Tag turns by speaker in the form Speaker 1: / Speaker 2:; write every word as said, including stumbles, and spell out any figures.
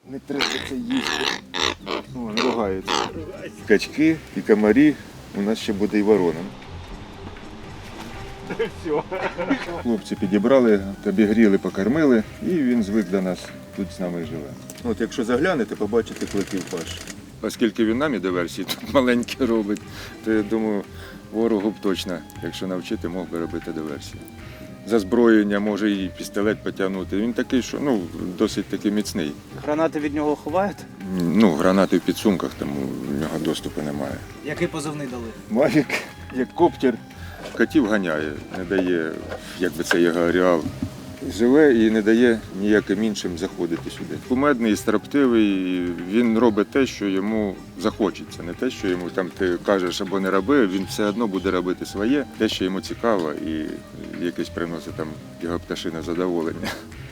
Speaker 1: Не треба це їсти. О, ругаються. Качки і комарі. У нас ще буде і ворона. Хлопці підібрали, обігріли, покормили, і він звик до нас, тут з нами живе. От якщо заглянете, побачите кликів паш. Оскільки він нам і диверсії тут маленькі робить, то я думаю, ворогу б точно, якщо навчити, мог би робити диверсію. За зброєння може і пістолет потягнути. Він такий, що ну, досить таки міцний.
Speaker 2: Гранати від нього ховають?
Speaker 1: Ну, гранати в підсумках, тому в нього доступу немає.
Speaker 2: Який позивний дали?
Speaker 1: Мавік, як коптер. Котів ганяє, не дає, як би це його ареал. Живе і не дає ніяким іншим заходити сюди. Кумедний, строптивий, він робить те, що йому захочеться. Не те, що йому там ти кажеш або не роби, він все одно буде робити своє, те, що йому цікаво і якесь приносить там його пташине задоволення.